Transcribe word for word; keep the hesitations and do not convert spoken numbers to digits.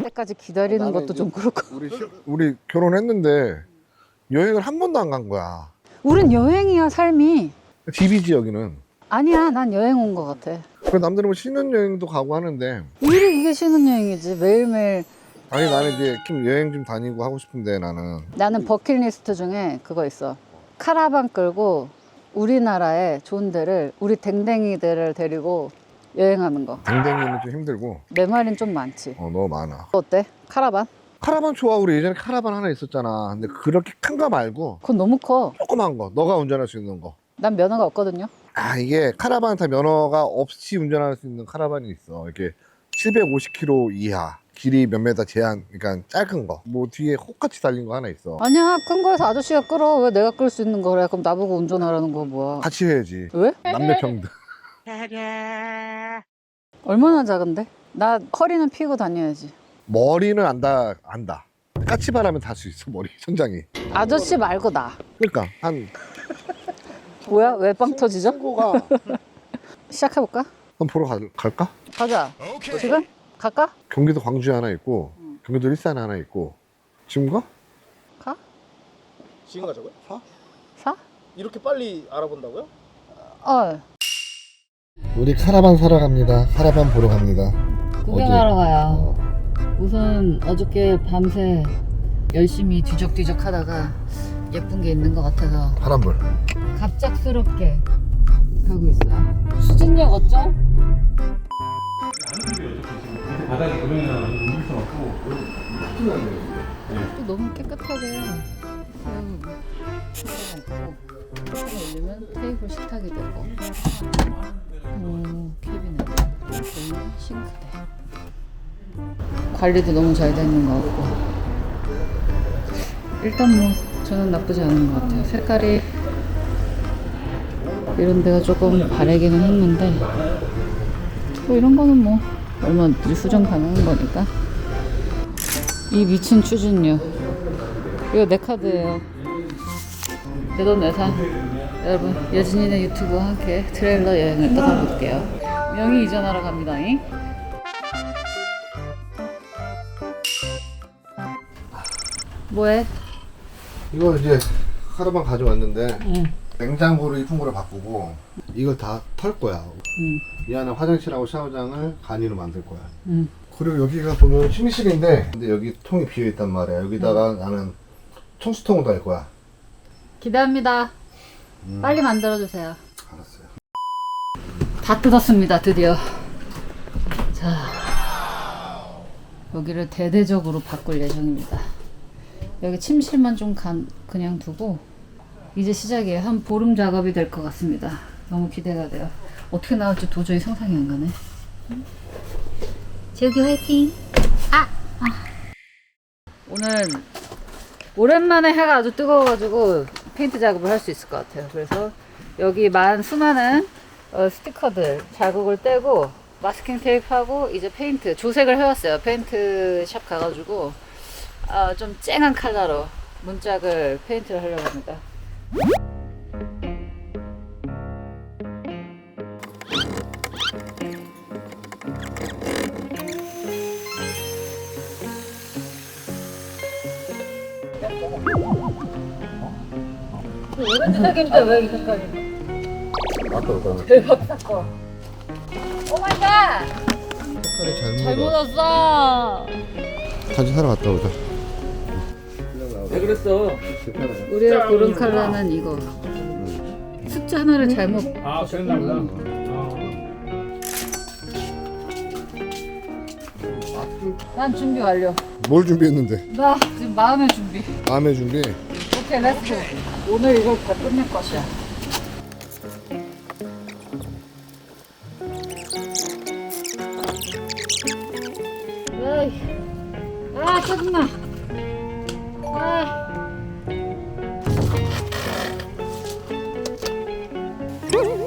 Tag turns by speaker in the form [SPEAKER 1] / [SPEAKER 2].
[SPEAKER 1] 때까지 기다리는
[SPEAKER 2] 나는
[SPEAKER 1] 것도
[SPEAKER 2] 이제
[SPEAKER 1] 좀 그렇고.
[SPEAKER 2] 우리 시- 우리 결혼했는데 여행을 한 번도 안 간 거야.
[SPEAKER 1] 우린 여행이야, 삶이.
[SPEAKER 2] 디비지 여기는.
[SPEAKER 1] 아니야, 난 여행 온 것 같아.
[SPEAKER 2] 그 남들은 뭐 신혼여행도 가고 하는데
[SPEAKER 1] 일이 이게 신혼여행이지. 매일매일.
[SPEAKER 2] 아니 나는 이제 좀 여행 좀 다니고 하고 싶은데 나는
[SPEAKER 1] 나는 버킷리스트 중에 그거 있어. 카라반 끌고 우리나라의 좋은 데를, 우리 댕댕이들을 데리고 여행하는 거.
[SPEAKER 2] 댕댕이는 좀 힘들고
[SPEAKER 1] 내 말은 좀 많지.
[SPEAKER 2] 어 너무 많아.
[SPEAKER 1] 어때? 카라반?
[SPEAKER 2] 카라반 좋아. 우리 예전에 카라반 하나 있었잖아. 근데 그렇게 큰 거 말고
[SPEAKER 1] 그건 너무 커.
[SPEAKER 2] 조그만 거 너가 운전할 수 있는 거.
[SPEAKER 1] 난 면허가 없거든요.
[SPEAKER 2] 아 이게 카라반 다 면허가 없이 운전할 수 있는 카라반이 있어. 이렇게 칠백오십 킬로미터 이하 길이 몇 메다 제한, 그러니까 짧은 거. 뭐 뒤에 혹같이 달린 거 하나 있어.
[SPEAKER 1] 아니야, 큰 거에서 아저씨가 끌어. 왜 내가 끌 수 있는 거래? 그럼 나보고 운전하라는 거 뭐야?
[SPEAKER 2] 같이 해야지.
[SPEAKER 1] 왜?
[SPEAKER 2] 남녀 평등.
[SPEAKER 1] 얼마나 작은데? 나 허리는 피고 다녀야지.
[SPEAKER 2] 머리는 안다 안다. 까치바라면 달 수 있어 머리 천장이.
[SPEAKER 1] 아저씨 말고 나.
[SPEAKER 2] 그러니까 한
[SPEAKER 1] 뭐야? 왜 빵 터지죠?
[SPEAKER 2] 친구가
[SPEAKER 1] 시작해볼까?
[SPEAKER 2] 한번 보러 가, 갈까?
[SPEAKER 1] 가자. 지금? 갈까?
[SPEAKER 2] 경기도 광주에 하나 있고 경기도 일산에 하나 있고. 지금 가?
[SPEAKER 1] 가?
[SPEAKER 3] 지금 가자고요?
[SPEAKER 2] 사?
[SPEAKER 1] 사?
[SPEAKER 3] 이렇게 빨리 알아본다고요?
[SPEAKER 1] 어.
[SPEAKER 2] 우리 카라반 사러 갑니다. 카라반 보러 갑니다.
[SPEAKER 1] 구경하러 가요. 우선 어저께 밤새 열심히 뒤적뒤적 하다가 예쁜 게 있는 것 같아서
[SPEAKER 2] 파란불.
[SPEAKER 1] 갑작스럽게 가고 있어요. 수진역 어쩜?
[SPEAKER 4] 바닥에 그러면 옮길 수 없고
[SPEAKER 1] 또 너무 깨끗하게 세워놓고 올리면 테이블 식탁이 되고 오, 캐비넷 여기 싱크대 관리도 너무 잘 되는 것 같고 일단 뭐 저는 나쁘지 않은 것 같아요. 색깔이 이런 데가 조금 바래기는 했는데 뭐 이런 거는 뭐 얼마든지 수정 가능한 거니까. 이 미친 추진력. 이거 내 카드예요. 내 돈 내산. 여러분, 여진이네 유튜브와 함께 트레일러 여행을 떠나볼게요. 명의 이전하러 갑니다. 잉? 뭐해?
[SPEAKER 2] 이거 이제 카라반 가져왔는데
[SPEAKER 1] 응.
[SPEAKER 2] 냉장고를 이쁜 거로 바꾸고 이걸 다 털 거야.
[SPEAKER 1] 응.
[SPEAKER 2] 이 안에 화장실하고 샤워장을 간이로 만들 거야.
[SPEAKER 1] 응.
[SPEAKER 2] 그리고 여기가 보면 침실인데 근데 여기 통이 비어 있단 말이야. 여기다가 나는 청수통을 달 거야.
[SPEAKER 1] 기대합니다.
[SPEAKER 2] 음.
[SPEAKER 1] 빨리 만들어주세요.
[SPEAKER 2] 알았어요.
[SPEAKER 1] 다 뜯었습니다. 드디어. 자, 여기를 대대적으로 바꿀 예정입니다. 여기 침실만 좀 간, 그냥 두고 이제 시작이에요. 한 보름 작업이 될 것 같습니다. 너무 기대가 돼요. 어떻게 나올지 도저히 상상이 안 가네. 재욱이 화이팅! 아! 아. 오늘 오랜만에 해가 아주 뜨거워가지고 페인트 작업을 할 수 있을 것 같아요. 그래서 여기 만 수많은 어, 스티커들 자국을 떼고 마스킹 테이프하고 이제 페인트 조색을 해왔어요. 페인트 샵 가가지고 어, 좀 쨍한 컬러로 문짝을 페인트를 하려고 합니다. 오렌지 색인데 왜 이 색깔이?
[SPEAKER 2] 아까 그거는
[SPEAKER 1] 대박 사건. 오 마이 갓!
[SPEAKER 2] 색깔이 잘못
[SPEAKER 1] 잘못 왔어.
[SPEAKER 2] 다시 사러 갔다 오자.
[SPEAKER 3] 왜 그랬어?
[SPEAKER 1] 우리가 고른 컬러는 이거. 숫자 하나를 잘못.
[SPEAKER 4] 아 그랬나 보다.
[SPEAKER 1] 난 준비 완료.
[SPEAKER 2] 뭘 준비했는데?
[SPEAKER 1] 나 지금 마음의 준비.
[SPEAKER 2] 마음의 준비.
[SPEAKER 1] 오케이, 렛츠고. 오늘 이걸 다 끝낼 것이야. 에이, 아 짜증나. 아.